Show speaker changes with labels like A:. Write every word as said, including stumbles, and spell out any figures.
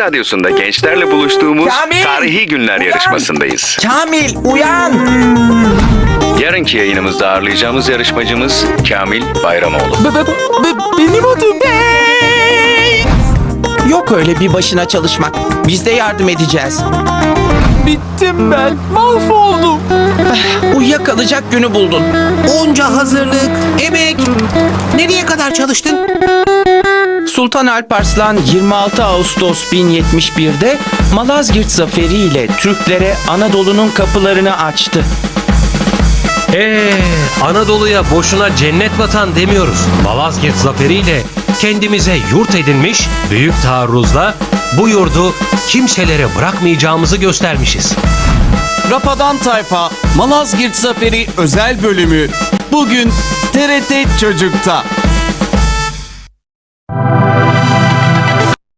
A: Radyosu'nda gençlerle buluştuğumuz
B: Kamil!
A: Tarihi Günler
B: Uyan!
A: yarışmasındayız.
B: Kamil uyan.
A: Yarınki yayınımızda ağırlayacağımız yarışmacımız Kamil Bayramoğlu.
B: B- b- b- benim adım. Yok öyle bir başına çalışmak. Biz de yardım edeceğiz. Bittim ben. Mahvoldum. Uyuyakalacak günü buldun.
C: Onca hazırlık, emek. Nereye kadar çalıştın?
B: Sultan Alparslan yirmi altı Ağustos bin yetmiş bir'de Malazgirt Zaferi ile Türklere Anadolu'nun kapılarını açtı.
D: Ee, Anadolu'ya boşuna cennet vatan demiyoruz. Malazgirt zaferiyle kendimize yurt edinmiş, büyük taarruzla bu yurdu kimselere bırakmayacağımızı göstermişiz.
E: Rapadan Tayfa Malazgirt Zaferi özel bölümü bugün T R T Çocuk'ta.